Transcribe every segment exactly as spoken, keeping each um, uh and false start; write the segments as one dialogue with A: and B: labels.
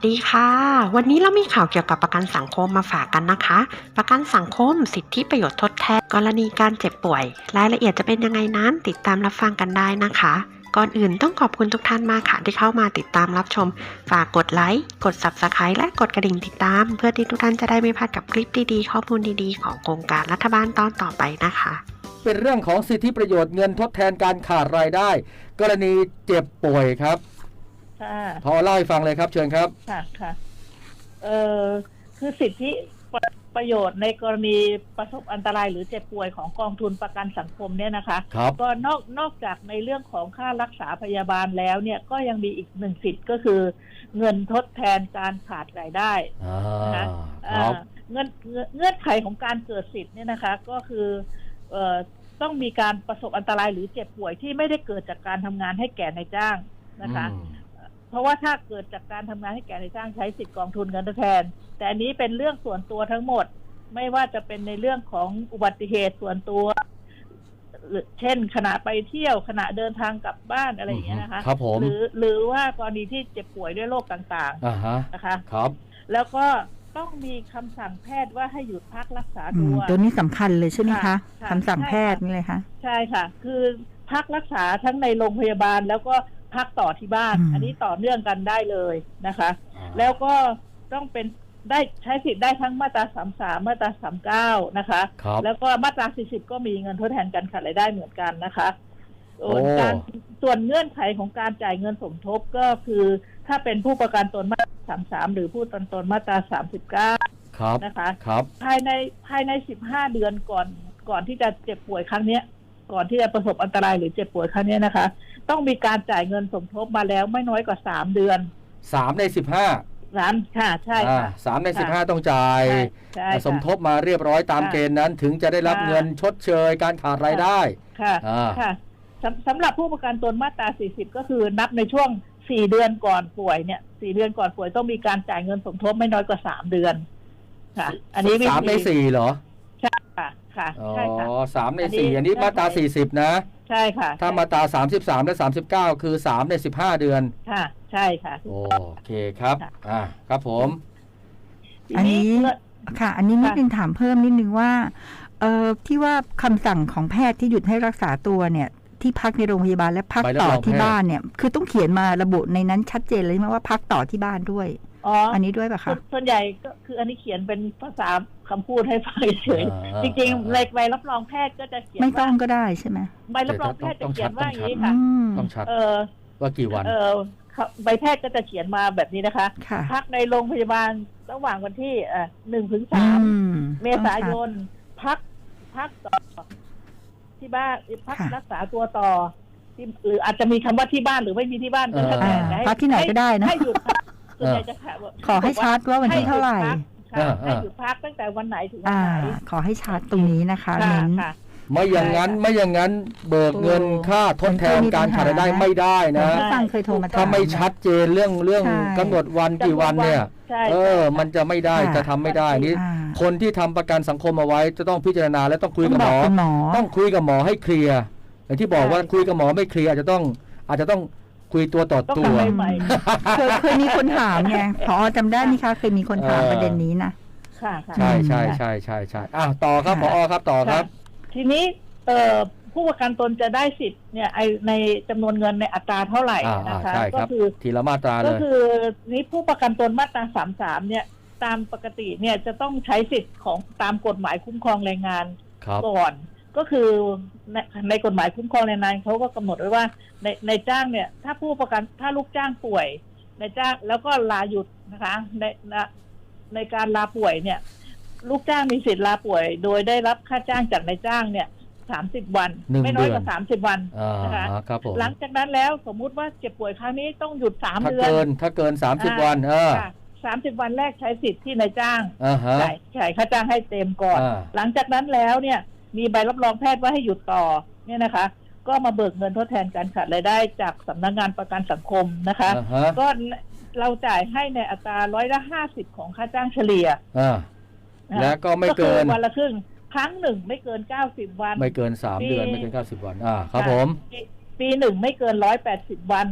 A: ดีค่ะวันนี้เรามีข่าวเกี่ยวกับประกันสังคมมาฝากกันนะคะประกันสังคมสิทธิประโยชน์ทดแทนกรณีการเจ็บป่วยรายละเอียดจะเป็นยังไงนั้นติดตามรับฟังกันได้นะคะก่อนอื่นต้องขอบคุณทุกท่านมากค่ะที่เข้ามาติดตามรับชมฝากกดไลค์กด ซับสไครบ์ และกดกระดิ่งติดตามเพื่อที่ทุกท่านจะได้ไม่พลาดกับคลิปดีๆข้อมูลดีๆของโครงการรัฐบาลตอนต่อไปนะคะ
B: เป็นเรื่องของสิทธิประโยชน์เงินทดแทนการขาดรายได้กรณีเจ็บป่วยครับ
C: ค่ะ
B: พอเล่าให้ฟังเลยครับเชิญครับ
C: ค่ะค่ะเอ่อคือสิทธิประประโยชน์ในกรณีประสบอันตรายหรือเจ็บป่วยของกองทุนประกันสังคมเนี่ยนะคะก็นอกนอกจากในเรื่องของค่ารักษาพยาบาลแล้วเนี่ยก็ยังมีอีกหนึ่งสิทธิ์ก็คือเงินทดแทนการขาดรายได้นะคะเงื่อนเงื่อนไขของการเกิดสิทธิ์เนี่ยนะคะก็คือเอ่อต้องมีการประสบอันตรายหรือเจ็บป่วยที่ไม่ได้เกิดจากการทำงานให้แก่นายจ้างนะคะเพราะว่าถ้าเกิดจากการทำงานให้แก่นายจ้างใช้สิทธิกองทุนเงินทดแทนแต่อันนี้เป็นเรื่องส่วนตัวทั้งหมดไม่ว่าจะเป็นในเรื่องของอุบัติเหตุส่วนตัวเช่นขณะไปเที่ยวขณะเดินทางกลับบ้านอะไรอย่างเงี้ยนะคะ
B: ครับผม
C: หรือหรือว่ากรณีที่เจ็บป่วยด้วยโรคต่างๆนะคะ
B: ครับ
C: แล้วก็ต้องมีคำสั่งแพทย์ว่าให้หยุดพักรักษาตัว
D: ตัวนี้สำคัญเลยใช่ไหมคะคำสั่งแพทย์นี่เลยคะ
C: ใช่ค่ะคือพักรักษาทั้งในโรงพยาบาลแล้วก็พักต่อที่บ้านอันนี้ต่อเนื่องกันได้เลยนะคะแล้วก็ต้องเป็นได้ใช้สิทธิ์ได้ทั้งมาตราสามสิบสามมาตราสามสิบเก้านะคะแล้วก็มาตราสี่สิบก็มีเงินทดแทนการขาดรายได้เหมือนกันนะคะการส่วนเงื่อนไขของการจ่ายเงินสมทบก็คือถ้าเป็นผู้ประกันตนมาตราสามสิบสามหรือผู้ประกันตนมาตราสามสิบเก้านะคะภายในภายในสิบห้าเดือนก่อนก่อนที่จะเจ็บป่วยครั้งนี้ก่อนที่จะประสบอันตรายหรือเจ็บป่วยครั้งนี้นะคะต้องมีการจ่ายเงินสมทบมาแล้วไม่น้อยกว่าสามเดือน
B: สามในสิบห้า
C: สามค่ะใช่ค่ะ
B: สามในสิบห้าต้องจ่ายสมทบมาเรียบร้อยตามเกณฑ์นั้นถึงจะได้รับเงินชดเชยการขาดรายได้
C: ค่ะค่ะสำหรับผู้ประกันตนมาตราสี่สิบก็คือนับในช่วงสี่เดือนก่อนป่วยเนี่ยสี่เดือนก่อนป่วยต้องมีการจ่ายเงินสมทบไม่น้อยกว่าสามเดือนค่ะอันนี้
B: สามในสี่เหรอ
C: ใช่ค่ะค่ะใช่ค่ะ
B: อ๋อสามในสี่อันนี้มาตราสี่สิบนะ
C: ใช่ค่ะ
B: ถ้ามาตราสามสิบสามและสามสิบเก้าคือสามในสิบห้าเดือน
C: ค่ะใช่ค่ะ
B: โอเคครับอ่าครับผม
D: อันนี้ค่ะอันนี้นิดนึงถามเพิ่มนิดนึงว่าเอ่อที่ว่าคำสั่งของแพทย์ที่หยุดให้รักษาตัวเนี่ยที่พักในโรงพยาบาลและพักต่อที่บ้านเนี่ยคือต้องเขียนมาระบุในนั้นชัดเจนเลยไหมว่าพักต่อที่บ้านด้วย
C: อ๋อ
D: อันนี้ด้วยป่ะคะ
C: ส่วนใหญ่ก็คืออันนี้เขียนเป็นภาษาคำพูดให้ฟังเฉยๆจริงๆในใบรับรองแพทย์ก็จะเขียน
D: ไม่ต้องก็ได้ใช่ไหม
C: ใบรับรองแพทย์จะเขียนว่าอย่างนี้ค่ะ
B: ต้องชัด
C: เออ
B: ว่ากี่วัน
C: เออใบแพทย์ก็จะเขียนมาแบบนี้นะคะพักในโรงพยาบาลระหว่างวันที่เอ่อหนึ่งถึงสามเมษายนพักพักต่อที่บ้านพักรักษาตัวต่อที่หรืออาจจะมีคำว่าที่บ้านหรือไม่มีที่บ้านก็แล้วแต่
D: พักที่ไหนก็ได้นะ
C: ให้หยุดพักส่วนใหญ่จะ
D: ขอให้ชัดว่าวันที่เท่าไหร่
C: ให้หยุดพักตั้งแต่วันไหนถึงวันไหน
D: ขอให้ชัดตรงนี้นะคะเน้น
B: ไม่อย่างนั้นไม่อย่างนั้นเบิกเงินค่าทดแทนการขาดรายได้ไม่ได้นะถ้าไม่ชัดเจนเรื่องเรื่องกำหนดวันกี่วันเนี่ยเออมันจะไม่ได้จะทำไม่ได้นี่คนที่ทำประกันสังคมเอาไว้จะต้องพิจารณาและต้องคุยกับหมอต้องคุยกับหมอให้เคลียร์อย่างที่บอกว่าคุยกับหมอไม่เคลียร์อาจจะต้องอาจจะต้องคุยตัวต่อตัว
D: เคยเคยมีคนถามไงพอจำได้ไหมคะเคยมีคนถามประเด็นนี้นะ
C: ค่ะ
B: ใช่ใช่ใช่ใช่ใช่อ่ะต่อครับผอครับต่อครับ
C: ทีนี้เอ่อผู้ประกันตนจะได้สิทธิ์เนี่ยในจำนวนเงินในอัตราเท่าไหร่นะคะก็คือ
B: ทีละมาตราเลย
C: ก็คือนี้ผู้ประกันตนมาตราสามสิบสามเนี่ยตามปกติเนี่ยจะต้องใช้สิทธิ์ของตามกฎหมายคุ้มครองแรงงานก่อนก็คือในในกฎหมายคุ้มครองแรงงานเขาก็กำหนดไว้ว่าในในจ้างเนี่ยถ้าผู้ประกันถ้าลูกจ้างป่วยในจ้างแล้วก็ลาหยุดนะคะในในการลาป่วยเนี่ยลูกจ้างมีสิทธิ์ลาป่วยโดยได้รับค่าจ้างจากนายจ้างเนี่ยสามสิบวันไม่น้อยกว่าสามสิบวันนะคะหลังจากนั้นแล้วสมมุติว่าเจ็บป่วยครั้งนี้ต้องหยุดสามเดือนถ้าเกิน
B: ถ้าเกินสามสิบวันเออ
C: สามสิบวันแรกใช้สิทธิ์ที่นายจ้างจ่ายจ่ายค่าจ้างให้เต็มก่อนหลังจากนั้นแล้วเนี่ยมีใบรับรองแพทย์ว่าให้หยุดต่อเนี่ยนะคะก็มาเบิกเงินทดแทนการขาดรายได้จากสำนักงานประกันสังคมนะคะก็เราจ่ายให้ในอัตราร้อยละห้าสิบของค่าจ้างเฉลี่ย
B: และก็ไม่เกิน
C: วันละครึ่งครั้งหนึ่งไม่เกินเก้าสิบวัน
B: ไม่เกินสามเดือนไม่เกินเก้าสิบวันอ่าครับผม
C: ปีหนึ่งไม่เกินร้อยแปดสิบวัน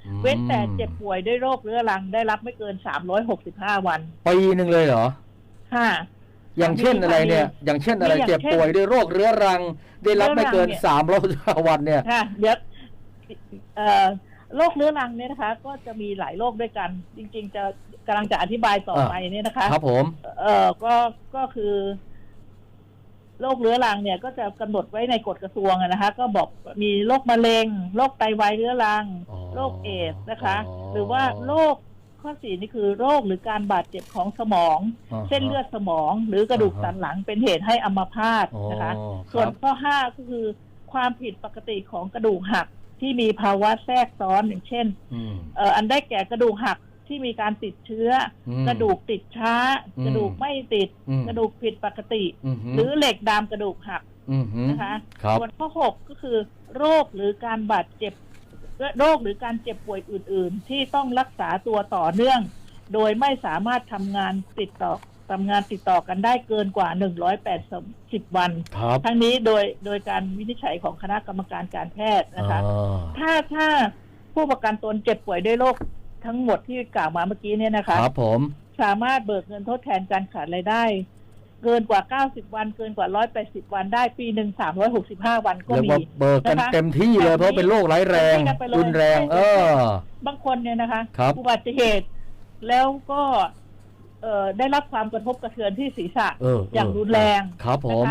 C: เว้นแต่เจ็บป่วยด้วยโรคเรื้อรังได้รับไม่เกินสามร้อยหกสิบห้าวัน
B: ปีหนึ่งเลยเหรอ
C: ค่ะ
B: อย่างเช่นอะไรเนี่ยอย่างเช่นอะไรเจ็บป่วยด้วยโรคเรื้อรังได้รับไม่เกินสามร้อยวันเนี่ย
C: ค่ะเดี๋ยวโรคเรื้อรังเนี่ยนะคะก็จะมีหลายโรคด้วยกันจริงๆจะกำลังจะอธิบายต่อไปเนี่ยนะคะ
B: ครับผม
C: เออก็ก็คือโรคเรื้อรังเนี่ยก็จะกำหนดไว้ในกฎกระทรวงนะคะก็บอกมีโรคมะเร็งโรคไตวายเรื้อรังโรคเอดส์นะคะหรือว่าโรคข้อสี่นี่คือโรคหรือการบาดเจ็บของสมองเส้นเลือดสมองหรือกระดูกสันหลังเป็นเหตุให้อัมพาตนะคะส่วนข้อห้าก็คือความผิดปกติของกระดูกหักที่มีภาวะแทรกซ้อนอย่างเช่นเอ่ออันได้แก่กระดูกหักที่มีการติดเชื้อกระดูกติดช้ากระดูกไม่ติดกระดูกผิดปกติหรือเหล็กดามกระดูกหักนะคะส่วนข้อหกก็คือโรคหรือการบาดเจ็บโรคหรือการเจ็บป่วยอื่นๆที่ต้องรักษาตัวต่อเนื่องโดยไม่สามารถทำงานติดต่อทำงานติดต่อกันได้เกินกว่าหนึ่งร้อยแปดสิบวันทั้งนี้โดยโดยการวินิจฉัยของคณะกรรมการการแพทย์นะคะถ้าถ้าผู้ประกันตนเจ็บป่วยด้วยโรคทั้งหมดที่กล่าวมาเมื่อกี้เนี่ยนะคะ
B: ครับผม
C: สามารถเบิกเงินทดแทนการขาดรายได้เกินกว่าเก้าสิบวันเกินกว่าหนึ่งร้อยแปดสิบวันได้ปีหนึ่งสามร้อยหกสิบห้าวันก็มี
B: เบิกกันเต็มที่เลยเพราะเป็นโรคร้ายแรงรุนแรงเอ
C: อบางคนเนี่ยนะคะอุบัติเหตุแล้วก็เอ่อได้รับความกระทบกระเทือนที่ศีรษะอย่างรุนแรง
B: ครับผม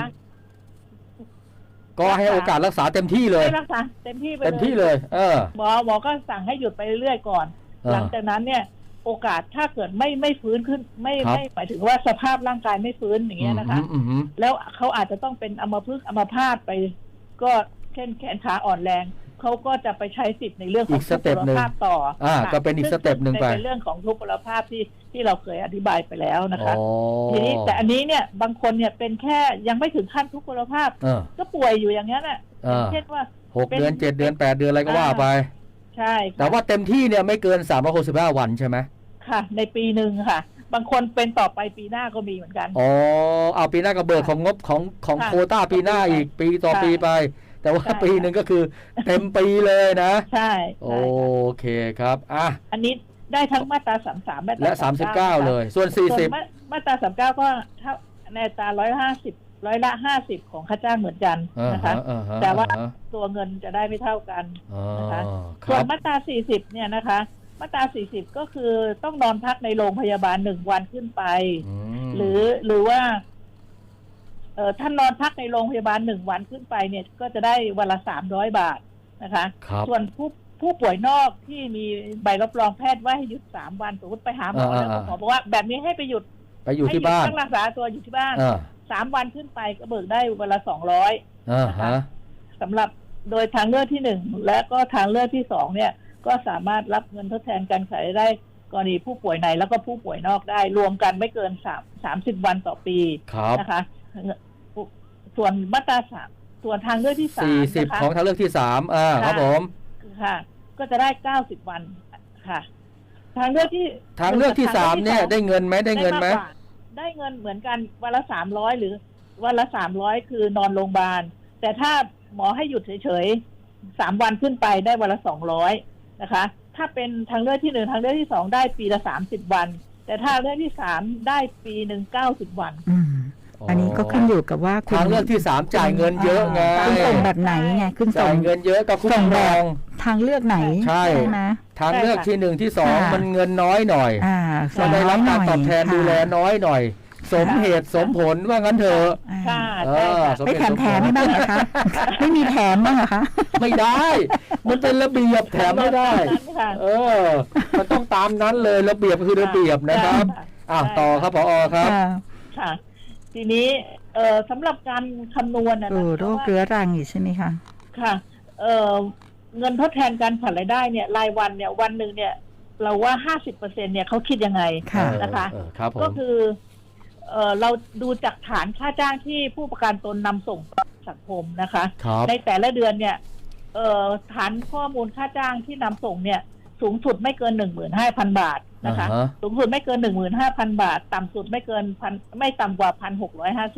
B: ก็ให้โอกาสรักษาเต็มที่เลย
C: รักษาเต็มที่ไปเลย
B: เต็มที่เลยเออ
C: หมอหมอก็สั่งให้หยุดไปเรื่อยๆก่อนหลังจากนั้นเนี่ยโอกาสถ้าเกิดไม่ไม่ฟื้นขึ้นไม่ไม่หมายถึงว่าสภาพร่างกายไม่ฟื้นอย่างเงี้ยนะคะแล้วเขาอาจจะต้องเป็นอัมพฤกษ์อัมพาตไปก็เช่นแขนขาอ่อนแรงเขาก็จะไปใช้สิทธิ์ในเรื่องของทุพพลภาพต่อ
B: อ่าก็เป็นอีกสเต็ปหนึ่งไป
C: ในเรื่องของทุพพลภาพที่ที่เราเคยอธิบายไปแล้วนะคะทีนี้แต่อันนี้เนี่ยบางคนเนี่ยเป็นแค่ยังไม่ถึงขั้นทุพพลภาพก็ป่วยอยู่อย่างนี้น่ะเช่นว่า
B: หกเดือนเจ็ดเดือนแปดเดือนอะไรก็ว่าไป
C: ใช่
B: แต่ว่าเต็มที่เนี่ยไม่เกินสามร้อยหกสิบห้าวันใช่ไหม
C: ค่ะในปีหนึ่งค่ะบางคนเป็นต่อไปปีหน้าก็มีเหมือนกัน
B: อ๋อเอาปีหน้าก็เบิกของงบของของโควต้าปีหน้าอีกปีต่อปีไปแต่ว่าปีหนึ่งก็คือเต็มปีเลยนะ
C: ใช่
B: โอเคครับอ่ะ
C: อันนี้ได้ทั้งมาตราสามสาม
B: และสามสิบเก้าเลยส่วนสี่สิบ
C: มาตราสามเก้าก็ในอัตราร้อยห้าสิบร้อยละห้าสิบของค่าจ้างเหมือนกันนะคะแต่ว่าตัวเงินจะได้ไม่เท่ากันนะคะส่วนมาตราสี่สิบเนี่ยนะคะมาตราสี่สิบก็คือต้องนอนพักในโรงพยาบาลหนึ่งวันขึ้นไปหรือหรือว่าเออท่านนอนพักในโรงพยาบาลหนึ่งวันขึ้นไปเนี่ยก็จะได้วันละสามร้อยบาทนะคะส่วนผู้ผู้ป่วยนอกที่มีใบรับรองแพทย์ว่าให้หยุดสามวันสมมติไปหาหมอแล้วหมอบอกว่าแบบนี้ให้ไปหยุด
B: ไปอยู่ที่บ้าน
C: รักษาตัวอยู่ที่บ้านสามวันขึ้นไปก็เบิกได้วันละสองร้อยนะคะสำหรับโดยทางเลือกที่หนึ่งและก็ทางเลือกที่สองเนี่ยก็สามารถรับเงินทดแทนการขายได้กรณีผู้ป่วยในแล้วก็ผู้ป่วยนอกได้รวมกันไม่เกินสามสามสิบวันต่อปีนะคะส่วนมาตราสามส่วนทางเลือกที่สาม
B: สี่สิบของทางเลือกที่สามอ่าครับผม
C: ค่ะก็จะได้เก้าสิบวันค่ะทางเลือกที่
B: ทางเลือกที่สามเนี่ยได้เงินไหมได้เงินไหม
C: ได้เงินเหมือนกันวันละสามร้อยหรือวันละสามร้อยคือนอนโรงพยาบาลแต่ถ้าหมอให้หยุดเฉยๆสามวันขึ้นไปได้วันละสองร้อยนะคะถ้าเป็นทางเลือกที่หนึ่งทางเลือกที่สองได้ปีละสามสิบวันแต่ถ้าเลือกที่สามได้ปีหนึ่งเก้าสิบวัน
D: อันนี้ก็ขึ้นอยู่กับว่า
B: ทางเลือกที่สามจ่ายเงินเยอะไง
D: คุณส่งแบบไหนไงคุณ
B: ส่งเงินเยอะกับคุณส่งแบบ
D: ทางเลือกไหน
B: ใช่ไหมทางเลือกที่หนึ่งที่สองมันเงินน้อยหน่อยก็ได้รับการตอบแทนดูแลน้อยหน่อยสมเหตุสมผลว่างั้นเถอะ
D: ไม่แถมแถมไม่บ้างนะคะไม่มีแถมบ้างเหรอคะ
B: ไม่ได้มันเป็นระเบียบแถมไม่ได้เออมันต้องตามนั้นเลยระเบียบคือระเบียบนะครับอ่ะต่อครับผอครับ
C: ค่ะทีนี้เอ่อสำหรับการคำนวณนะ
D: โรคเรื้อรังอีกใช่ไหมคะ
C: ค่ะเอ่อเงินทดแทนการขาดรายได้เนี่ยรายวันเนี่ยวันหนึ่งเนี่ยเราว่าห้าสิบเปอร์เซ็นต์เนี่ยเขาคิดยังไงนะคะก็คือเอ่อเราดูจากฐานค่าจ้างที่ผู้ประกันตนนำส่งสังคมนะคะในแต่ละเดือนเนี่ยเอ่อฐานข้อมูลค่าจ้างที่นำส่งเนี่ยสูงสุดไม่เกิน หนึ่งหมื่นห้าพัน บาทนะคะ uh-huh. สูงสุดไม่เกิน หนึ่งหมื่นห้าพัน บาทต่ำสุดไม่เกินพันไม่ต่ำกว่า หนึ่งพันหกร้อยห้าสิบ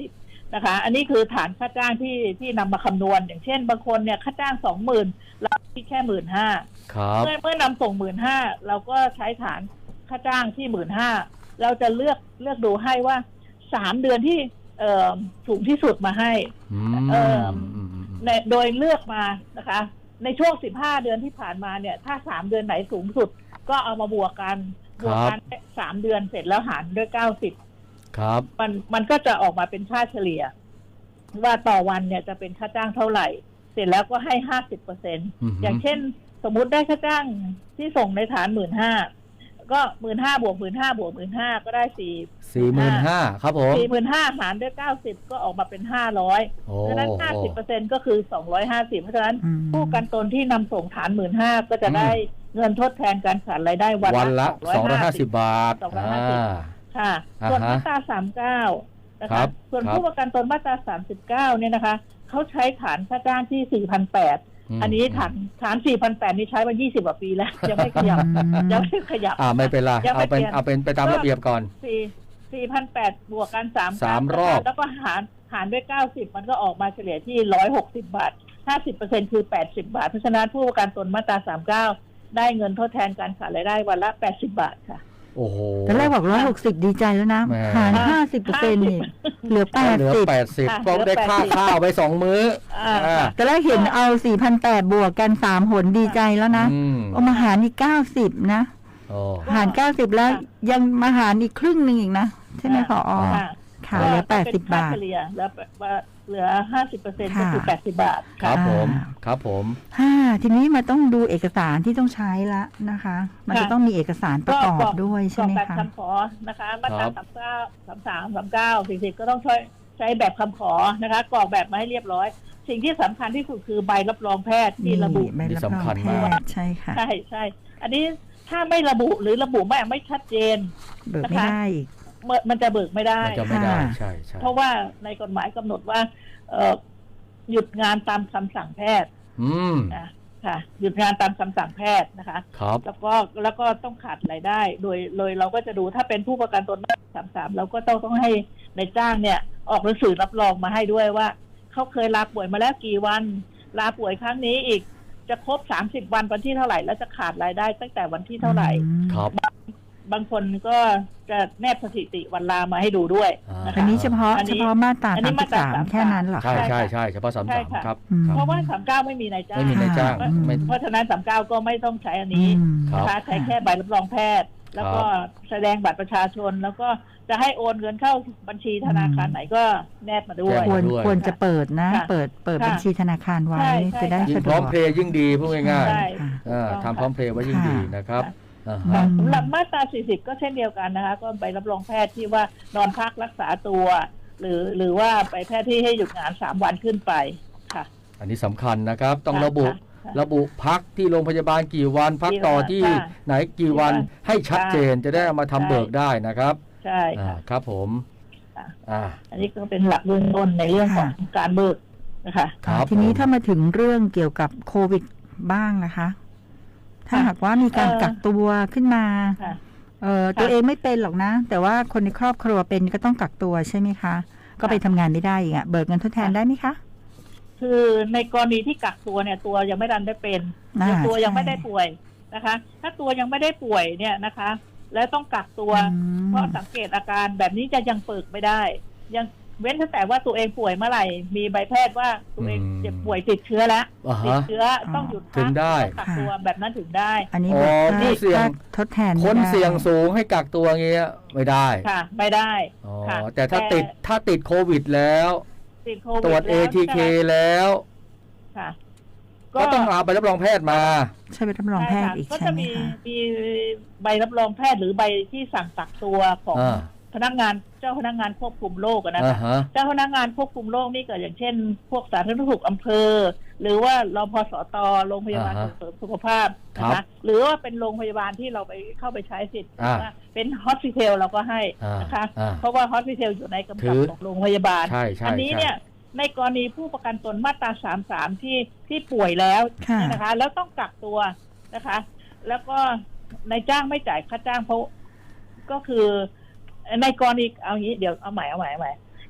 C: นะคะ อันนี้คือฐานค่าจ้างที่ที่นำมาคำนวณอย่างเช่นบางคนเนี่ยค่าจ้างสองหมื่นเราที่แค่หมื่นห้าเมื่อเมื่อนำส่งหมื่นห้าเราก็ใช้ฐานค่าจ้างที่หมื่นห้าเราจะเลือกเลือกดูให้ว่าสามเดือนที่เอ่อสูงที่สุดมาให้เอ่อโดยเลือกมานะคะในช่วงสิบห้าเดือนที่ผ่านมาเนี่ยถ้าสามเดือนไหนสูงสุดก็เอามาบวกกันบวกกันสามเดือนเสร็จแล้วหารด้วยเก้าสิบครับมันมันก็จะออกมาเป็นค่าเฉลี่ยว่าต่อวันเนี่ยจะเป็นค่าจ้างเท่าไหร่เสร็จแล้วก็ให้ห้าสิบเปอร์เซ็นต์อย่างเช่นสมมุติได้ค่าจ้างที่ส่งในฐานหมื่นห้าก็หมื่นห้าบวกหมื่นห้าบวกหมื่นห้าก็ได้สี่
B: สี่หมื่นห้าครับผม
C: สี่หมื่นห้าหารด้วยเก้าสิบก็ออกมาเป็นห้าร้อยเพราะฉะนั้นห้าสิบเปอร์เซ็นต์ก็คือสองร้อยห้าสิบเพราะฉะนั้นผู้ประกันตนที่นำส่งฐานหมื่นห้าก็จะได้เงินทดแทนการขาดรายได้วัน
B: ละสองร้อยห้าสิบบาท
C: สองร้อยห้าสิบค่ะส่วนมาตราสามสิบเก้านะคะส่วนผู้ประกันตนมาตราสามสิบเก้าเนี่ยนะคะเขาใช้ฐานค่าจ้างที่ สี่พันแปดร้อย อันนี้ฐานฐาน สี่พันแปดร้อย นี่ใช้มายี่สิบกว่าปีแล้วยังไม่ขยับยังไม่ขยับ
B: อ่าไม่เป็นไรเอาเป็นเอาเป็นไปตามระเบียบก่อน
C: สี่พันแปดร้อย บวกกันสาม
B: สามรอบ
C: แล้วก็หารหารด้วยเก้าสิบมันก็ออกมาเฉลี่ยที่หนึ่งร้อยหกสิบบาท ห้าสิบเปอร์เซ็นต์ คือแปดสิบบาทเพราะฉะนั้นผู้ประกันตนมาตราสามสิบเก้าได้เงินทดแทนการขาดรายได้วันละแปดสิบบาทค่ะ
B: โอ้โห
D: ตอนแรกบอกหนึ่งร้อยหกสิบดีใจแล้วนะหาร ห้าสิบเปอร์เซ็นต์ นี่เหลือแปดสิบเหลือ
B: แปดสิบก็ได้ค่าข้าวไปสองมื้อ
D: ตอนแรกเห็นเอา สี่พันแปดร้อย บวกกันสามหนดีใจแล้วนะเอามาหารอีกเก้าสิบนะหารเก้าสิบแล้วยังมาหารอีกครึ่งนึงอีกนะใช่ไหมผอ.ค่ะเหลือแปดสิบบาท
C: เฉลี่ยแล้วเหลือ ห้าสิบเปอร์เซ็นต์ ก็คือแปดสิบบาท
B: ครับผมครับผม
D: ฮ่าทีนี้มาต้องดูเอกสารที่ต้องใช้ละนะคะมันจะต้องมีเอกสารประกอบด้วยใช่ไหมคะ
C: แบบคำขอนะคะมาตราสามสิบเก้า สามสิบสาม สามสิบเก้า สี่สิบก็ต้องใช้ใช้แบบคำขอนะคะกรอกแบบมาให้เรียบร้อยสิ่งที่สำคัญที่สุดคือใบรับรองแพทย์ที่ระบุ
D: ใบรับรองแพทย์ใช่ค่ะ
C: ใช่ใช่อันนี้ถ้าไม่ระบุหรือระบุไม่ไม่ชัดเจน
D: เบิกไม่ได้
C: มันจะเบิกไม่ได้
B: มันจะไม่ได้ใช่ใช่
C: เพราะว่าในกฎหมายกำหนดว่าหยุดงานตามคำสั่งแพทย์นะค่ะหยุดงานตามคำสั่งแพทย์นะคะแล้วก็แล้วก็ต้องขาดรายได้โดยโดยเราก็จะดูถ้าเป็นผู้ประกันตนมาตราสามสิบสามเราก็ต้องต้องให้ในจ้างเนี่ยออกหนังสือรับรองมาให้ด้วยว่าเขาเคยลาป่วยมาแล้วกี่วันลาป่วยครั้งนี้อีกจะครบสามสิบวันวันที่เท่าไหร่แล้วจะขาดรายได้ตั้งแต่วันที่เท่าไหร่
B: ครับ
C: บางคนก็จะแนบสถิติวันลามาให้ดูด้วย
D: อันนี้เฉพาะเฉพาะมาตราสามสิบสามแค่นั้นหรอ
B: ใช่ใช่ใช่เฉพาะสามสิบสามครับ
C: เพราะว่าสามสิบเก้าไม่มีนายจ้าง
B: ไม่มีนายจ้าง
C: เพราะฉะนั้นสามสิบเก้าก็ไม่ต้องใช้อันนี้นะคะใช้แค่ใบรับรองแพทย์แล้วก็แสดงบัตรประชาชนแล้วก็จะให้โอนเงินเข้าบัญชีธนาคารไหนก็แนบมาด้วย
D: ควรควรจะเปิดนะเปิดเปิดบัญชีธนาคารไว้จะได้สะดวก
B: พร้อมเพย์ยิ่งดีพูดง่ายๆทำพร้อมเพย์ไว้ยิ่งดีนะครับ
C: สำหรับมาตราสี่สิบก็เช่นเดียวกันนะคะก็ใบรับรองแพทย์ที่ว่านอนพักรักษาตัวหรือหรือว่าไปแพทย์ที่ให้หยุดงานสามวันขึ้นไปค่ะ
B: อันนี้สำคัญนะครับต้องระบุระบุพักที่โรงพยาบาลกี่วันพักต่อที่ไหนกี่วันให้ชัดเจนจะได้เอามาทำเบิกได้นะครับ
C: ใช่
B: ครับผม
C: อันนี้ก็เป็นหลักเบื้องต้นในเรื่องของการเบิกนะคะ
D: ทีนี้ถ้ามาถึงเรื่องเกี่ยวกับโควิดบ้างนะคะถ้าหากว่ามีการกักตัวขึ้นมาเอ่อตัวเองไม่เป็นหรอกนะแต่ว่าคนในครอบครัวเป็นก็ต้องกักตัวใช่ไหมคะก็ไปทำงานไม่ได้อีกอ่ะเบิกเงินทดแทนได้ไหมคะ
C: คือในกรณีที่กักตัวเนี่ยตัวยังไม่ดันได้เป็นตัวยังไม่ได้ป่วยนะคะถ้าตัวยังไม่ได้ป่วยเนี่ยนะคะแล้วต้องกักตัวเพราะสังเกตอาการแบบนี้จะยังเบิกไม่ได้ยังเว้นแต่ว่าตัวเองป่วยเมื่อไหร่มีใบแพทย์ว่าตัวเองเจ็บป่วยติดเชื้อแล้วติดเชื้อต้องหยุดพักต้องกักตัวแบบนั้นถึงได้
D: อันนี้
B: ผู้เสี่ยง
D: ทดแทน
B: คนเสี่ยงสูงให้กักตัวเงี้ยไม่ได้
C: ค่ะไม่ได้
B: ค่ะแต่ถ้าติดถ้าติดโควิดแล้วตรวจ เอ ที เค แล้ว
C: ค่ะ
B: ก็ต้องเอาใบรับรองแพทย์มา
D: ใช่ใบรับรองแพทย์อีก
C: ก็จะมีมีใบรับรองแพทย์หรือใบที่สั่งกักตัวของพนักงานเจ้าพนักงานควบคุมโรคนะคะเจ้าพนักงานควบคุมโรคนี่ก็อย่างเช่นพวกสาธารณสุขอำเภอหรือว่ารพสตโรงพยาบาลส่งเสริมสุขภาพนะคะหรือว่าเป็นโรงพยาบาลที่เราไปเข้าไปใช้สิทธิ์เป็นฮอสพิทอลเราก็ให้นะคะเพราะว่าฮอสพิทอลอยู่ในกำกับของโรงพยาบาลอันนี้เนี่ยในกรณีผู้ประกันตนมาตราสามสิบสามที่ที่ป่วยแล้วนะคะแล้วต้องกักตัวนะคะแล้วก็นายจ้างไม่จ่ายค่าจ้างเพราะก็คือในกรณีเอางี้เดี๋ยวเอาใหม่เอาใหม่เอาใหม่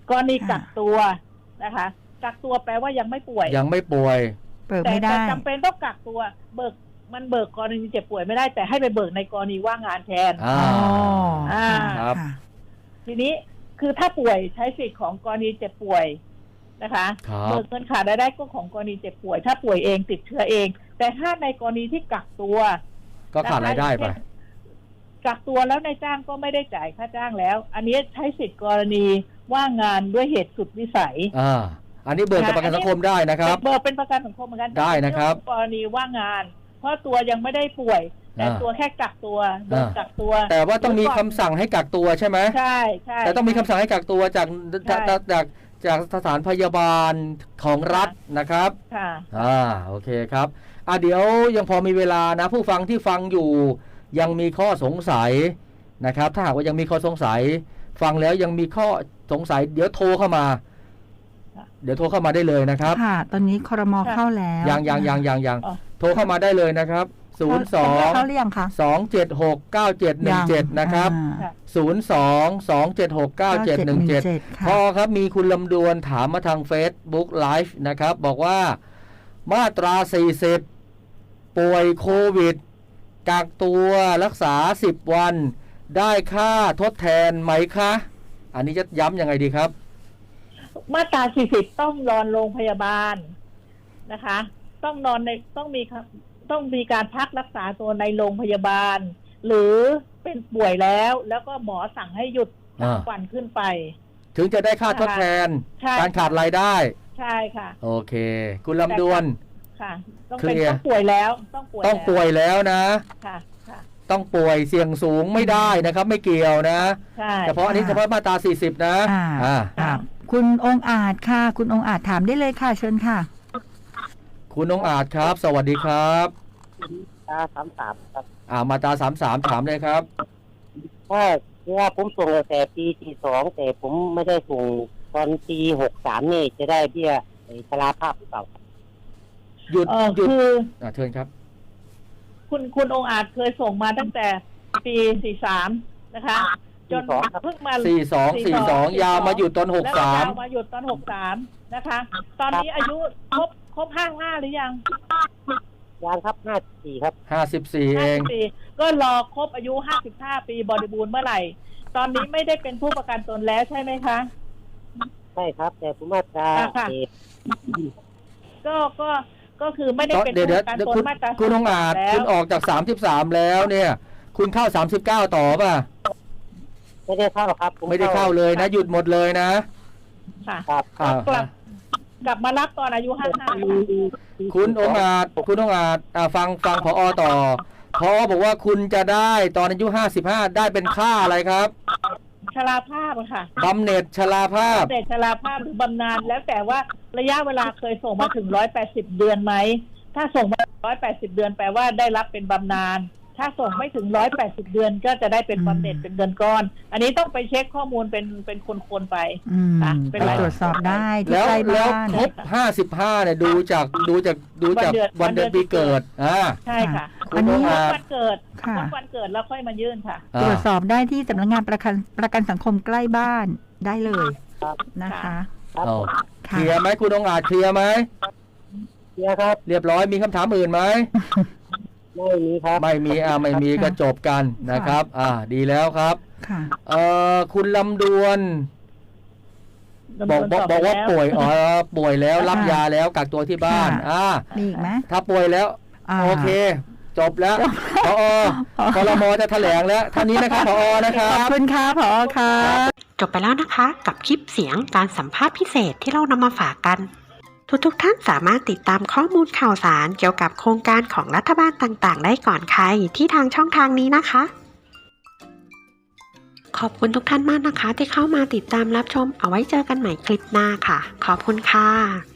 C: กรณีกักตัวนะคะกักตัวแปลว่ายังไม่ป่วย
B: ยังไม่ป่วย
D: เบิกไม่ได้
C: แต่จำเป็นต้องกักตัวเบิกมันเบิกกรณีเจ็บป่วยไม่ได้แต่ให้ไปเบิกในกรณีว่างงานแทน
B: อ๋อ
C: อ่า
B: ครับ
C: ทีนี้คือถ้าป่วยใช้สิทธิ์ของกรณีเจ็บป่วยนะคะเบิกเงินขาดรายได้ก็ของกรณีเจ็บป่วยถ้าป่วยเองติดเชื้อเองแต่ถ้าในกรณีที่กักตัว
B: ก็ขาดรายได้ไป
C: กักตัวแล้วนายจ้างก็ไม่ได้จ่ายค่าจ้างแล้วอันนี้ใช้สิทธิ์กรณีว่างงานด้วยเหตุสุดวิสัย
B: อ่าอันนี้เบิกกับประกันสังคมได้นะครับ
C: เบิกเป็นประกันสังคมเหมือนกัน
B: ได้นะครับ
C: กรณีว่างงานเพราะตัวยังไม่ได้ป่วยแต่ตัวแค่กักตัวโดนกักตัว
B: แต่ว่าต้องมีคำสั่งให้กักตัวใช่ไหม
C: ใช่ใช่
B: แต่ต้องมีคำสั่งให้กักตัวจากจากจากจากสถานพยาบาลของรัฐนะครับ
C: ค่ะ
B: อ่าโอเคครับอ่ะเดี๋ยวยังพอมีเวลานะผู้ฟังที่ฟังอยู่ยังมีข้อสงสัยนะครับถ้าหากว่ายังมีข้อสงสัยฟังแล้วยังมีข้อสงสัยเดี๋ยวโทรเข้ามาเดี๋ยวโทรเข้ามาได้เลยนะครับ
D: ค่ะตอนนี้ครม.เข้าแล้ว
B: ยังยังยังยังยังโทรเข้ามาได้เลยนะครับศูนย์ สอง
D: เข้าหรือยังคะ
B: สอง เจ็ด หก เก้า เจ็ด หนึ่ง เจ็ดนะครับศูนย์ สอง สอง เจ็ด หก เก้า เจ็ด หนึ่ง เจ็ดพอครับมีคุณลำดวนถามมาทาง Facebook Live นะครับบอกว่ามาตราสี่สิบป่วยโควิดกักตัวรักษาสิบวันได้ค่าทดแทนไหมคะอันนี้จะย้ำยังไงดีครับ
C: มาตราสี่สิบต้องนอนโรงพยาบาลนะคะต้องนอนในต้องมีต้องมีการพักรักษาตัวในโรงพยาบาลหรือเป็นป่วยแล้วแล้วก็หมอสั่งให้หยุดสามวันขึ้นไป
B: ถึงจะได้ค่าทดแทนการขาดรายได้
C: ใช่ค่ะ
B: โอเคคุณลำดวน
C: ค่ะต้องเป็นต้องป่วยแล้วต้องป่วย
B: ต้องป่วยแล้วนะ
C: ค่ะ
B: ต้องป่วยเสี่ยงสูงไม่ได้นะครับไม่เกี่ยวนะเฉพาะอันนี้เฉพาะมาตราสี่สิบนะ
D: อ่าคุณองค์อาจค่ะคุณองค์อาจถามได้เลยค่ะเชิญค่ะ
B: คุณองค์อาจครับสวัสดีครับ
E: ตาสามสามครับ
B: อ่ามาตราสามสามถามเลยครับ
E: ว่าว่าผมส่งแต่ปีที่สองแต่ผมไม่ได้ส่งตอนปีหกสามนี่จะได้เบี้ยชราภาพหรือเปล่า
B: หยุด
C: หยุด
B: อ่าเชิญครับ
C: คุณคุณองค์อาจเคยส่งมาตั้งแต่ปีสี่สามนะคะจนเพิ่งมา
B: สี่สองสี่สองยาวมาหยุดตอนหกสาม
C: ยาวมาหยุดตอนหกสามนะคะตอนนี้อายุครบครบห้าห้าหรือยัง
E: ยังครับห้าสิบสี่ครับ
B: ห้าสิบสี่เอง
C: ก็รอครบอายุห้าสิบห้าปีบริบูรณ์เมื่อไหร่ตอนนี้ไม่ได้เป็นผู้ประกันตนแล้วใช่ไหมคะ
E: ใช่ครับแต่ผมมาตรา
C: ก็ก็ก็คือไม่ได้เป็นผู้ประกันตนมาตรา
B: คุณองอาจคุณออกจากสามสิบสามแล้วเนี่ยคุณเข้าสามสิบเก้าต่อป่ะ
E: ไม่ได้เข้าครับ
B: ไม่ได้เข้าเลยนะหยุดหมดเลยนะ
C: ค่ะครับกลับกลับมารับตอนอายุห้าสิบห้า
B: คุณองอาจคุณองอาจฟังฟังผอต่อผอบอกว่าคุณจะได้ตอนอายุห้าสิบห้าได้เป็นค่าอะไรครับ
C: ชราภาพค่ะ
B: บำเหน็จชราภาพ
C: บำเหน็จชราภาพหรือบำนาญแล้วแต่ว่าระยะเวลาเคยส่งมาถึงร้อยแปดสิบเดือนไหมถ้าส่งมาร้อยแปดสิบเดือนแปลว่าได้รับเป็นบำนาญถ้าส่งไม่ถึงร้อยแปดสิบเดือนก็จะได้เป็นบำเหน็จเป็นเงินก้อนอันนี้ต้องไปเช็คข้อมูลเป็นเป็นคนๆไป
D: ค่ะเป็นตรวจสอบได้
B: แล้วแล้วครบห้าสิบห้าเนี่ยดูจากดูจากดูจากวันเดือนปีเกิดอ่า
C: ใช่ค่ะอันนี้วันเกิดวันเกิดแล้วค่อยมายื่นค่ะ
D: ตรวจสอบได้ที่สำนักงานประกันประกันสังคมใกล้บ้านได้เลยนะคะ
B: เคลียร์ไหมคุณองอาจเคลียร์ไหม
E: เคลียร์ครับ
B: เรียบร้อยมีคำถามอื่นไหม
E: ไม่มีครับ
B: ไม่มีอ่าไม่มีก็จบกันนะครับอ่าดีแล้วครับเอ่อคุณลำดวนบอกบอกบอกว่าป่วยอ๋อป่วยแล้วรับยาแล้วกักตัวที่บ้านอ่า
D: มีอีกไหม
B: ถ้าป่วยแล้วโอเคจบแล้วผอ.ครม.จะแถลงแล้วท่านนี้นะครับผอ.นะครับ
D: ขอบคุณค่ะผอ.ค่ะ
A: จบไปแล้วนะคะกับคลิปเสียงการสัมภาษณ์พิเศษที่เรานำมาฝากกันทุกๆท่านสามารถติดตามข้อมูลข่าวสารเกี่ยวกับโครงการของรัฐบาลต่างๆได้ก่อนใครที่ทางช่องทางนี้นะคะขอบคุณทุกท่านมากนะคะที่เข้ามาติดตามรับชมเอาไว้เจอกันใหม่คลิปหน้าค่ะขอบคุณค่ะ